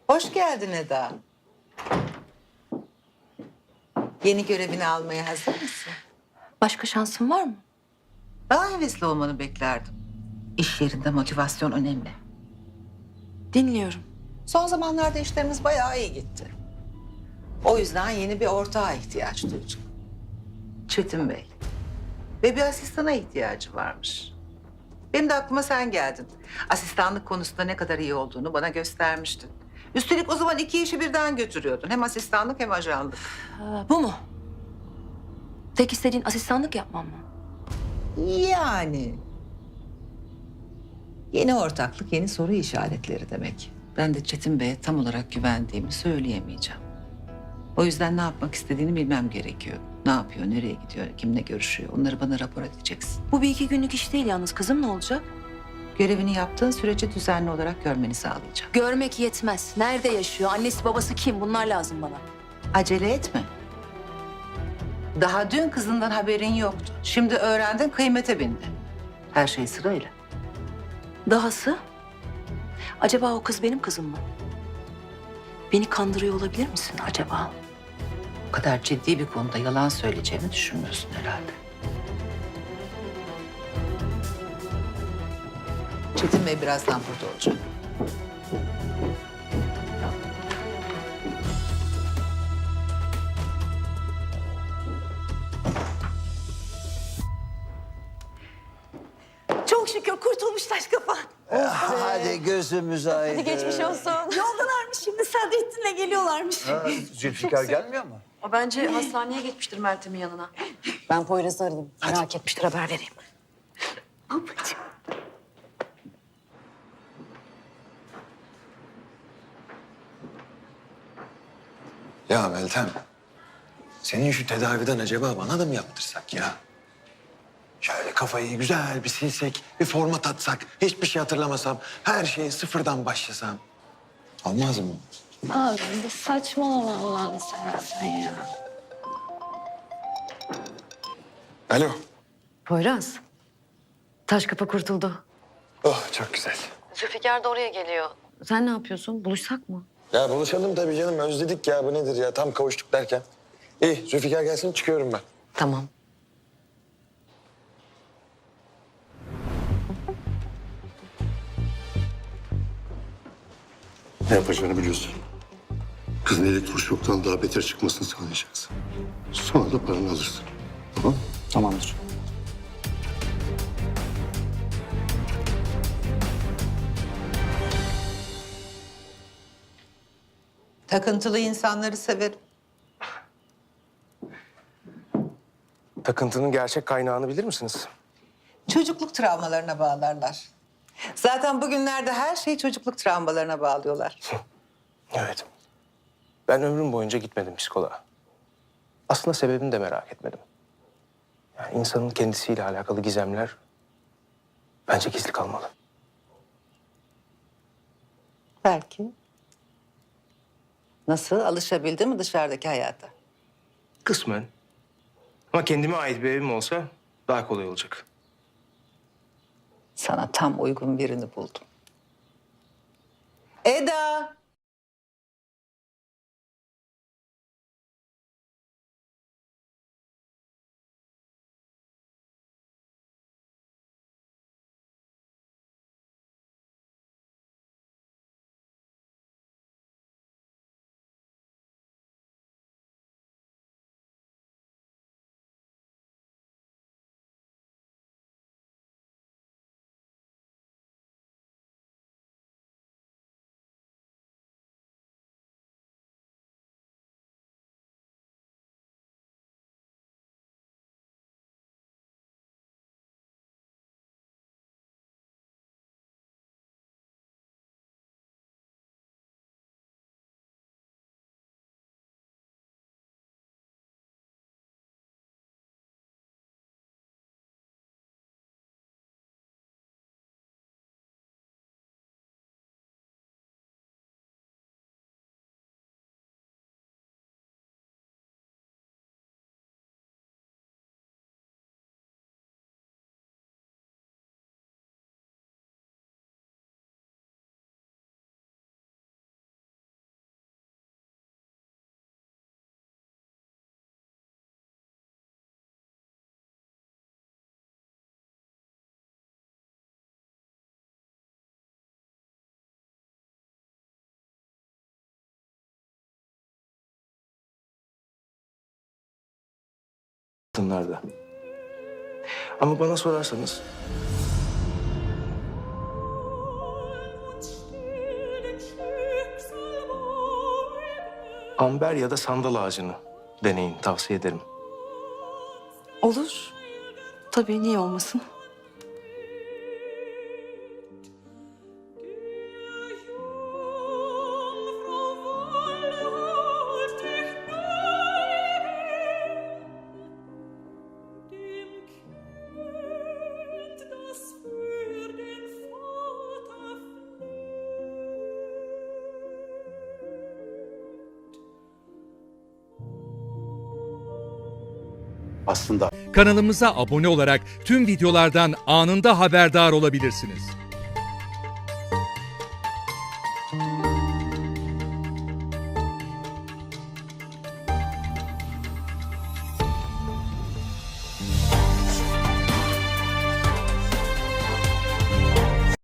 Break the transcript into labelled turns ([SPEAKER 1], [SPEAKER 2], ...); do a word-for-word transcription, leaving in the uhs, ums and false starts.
[SPEAKER 1] Hoş geldin Eda. Yeni görevini almaya hazır mısın?
[SPEAKER 2] Başka şansın var mı?
[SPEAKER 1] Daha hevesli olmanı beklerdim. İş yerinde motivasyon önemli.
[SPEAKER 2] Dinliyorum.
[SPEAKER 1] Son zamanlarda işlerimiz bayağı iyi gitti. O yüzden yeni bir ortağa ihtiyaç duyduk. Çetin Bey. Ve bir asistana ihtiyacı varmış. Benim de aklıma sen geldin. Asistanlık konusunda ne kadar iyi olduğunu bana göstermiştin. Üstelik o zaman iki işi birden götürüyordun. Hem asistanlık hem ajanlık.
[SPEAKER 2] Ee, bu mu? Tek istediğin asistanlık yapmam mı?
[SPEAKER 1] Yani. Yeni ortaklık, yeni soru işaretleri demek. Ben de Çetin Bey'e tam olarak güvendiğimi söyleyemeyeceğim. O yüzden ne yapmak istediğini bilmem gerekiyor. Ne yapıyor, nereye gidiyor, kimle görüşüyor onları bana rapor edeceksin.
[SPEAKER 2] Bu bir iki günlük iş değil yalnız. Kızım ne olacak?
[SPEAKER 1] Görevini yaptığın sürece düzenli olarak görmeni sağlayacağım.
[SPEAKER 2] Görmek yetmez. Nerede yaşıyor? Annesi babası kim? Bunlar lazım bana.
[SPEAKER 1] Acele etme. Daha dün kızından haberin yoktu. Şimdi öğrendin, kıymete bindi. Her şey sırayla.
[SPEAKER 2] Dahası? Acaba o kız benim kızım mı? Beni kandırıyor olabilir misin acaba?
[SPEAKER 1] Bu kadar ciddi bir konuda yalan söyleyeceğimi düşünmüyorsun herhalde. Çetin Bey birazdan burada olacak.
[SPEAKER 3] Çok şükür kurtulmuş taş kafa.
[SPEAKER 4] Hadi gözümüz aydın.
[SPEAKER 3] Hadi geçmiş olsun. Yoldalarmış şimdi Sadrettin'le geliyorlarmış.
[SPEAKER 4] Ha, Zülfikar gelmiyor mu?
[SPEAKER 5] O bence hastaneye gitmiştir Meltem'in yanına.
[SPEAKER 3] Ben Poyraz'ı aradım. Merak etmiştir haber vereyim. Babacığım.
[SPEAKER 4] Ya Meltem, senin şu tedaviden acaba bana da mı yaptırsak ya? Şöyle kafayı güzel bir silsek, bir format atsak, hiçbir şey hatırlamasam, her şeye sıfırdan başlasam. Olmaz mı?
[SPEAKER 6] Abi bir saçmalama Allah'ını seversen ya.
[SPEAKER 4] Alo.
[SPEAKER 5] Poyraz. Taş kafa kurtuldu.
[SPEAKER 4] Oh çok güzel.
[SPEAKER 5] Zülfikar da oraya geliyor. Sen ne yapıyorsun? Buluşsak mı?
[SPEAKER 4] Ya buluşalım tabii canım, özledik ya, bu nedir ya, tam kavuştuk derken. İyi, Zülfikar gelsin, çıkıyorum ben.
[SPEAKER 5] Tamam.
[SPEAKER 7] Ne yapacağını biliyorsun. Kızın elektroşoktan daha beter çıkmasını sağlayacaksın. Sonra da paranı alırsın. Tamam?
[SPEAKER 8] Tamamdır.
[SPEAKER 1] Takıntılı insanları severim.
[SPEAKER 8] Takıntının gerçek kaynağını bilir misiniz?
[SPEAKER 1] Çocukluk travmalarına bağlarlar. Zaten bugünlerde her şeyi çocukluk travmalarına bağlıyorlar.
[SPEAKER 8] Evet. Ben ömrüm boyunca gitmedim psikoloğa. Aslında sebebini de merak etmedim. Yani insanın kendisiyle alakalı gizemler bence gizli kalmalı.
[SPEAKER 1] Belki. Nasıl? Alışabildin mi dışarıdaki hayata?
[SPEAKER 8] Kısmen. Ama kendime ait bir evim olsa daha kolay olacak.
[SPEAKER 1] Sana tam uygun birini buldum. Eda!
[SPEAKER 8] altınlarda. Ama bana sorarsanız amber ya da sandal ağacını deneyin, tavsiye ederim.
[SPEAKER 2] Olur. Tabii, niye olmasın?
[SPEAKER 9] Aslında
[SPEAKER 10] Kanalımıza abone olarak tüm videolardan anında haberdar olabilirsiniz.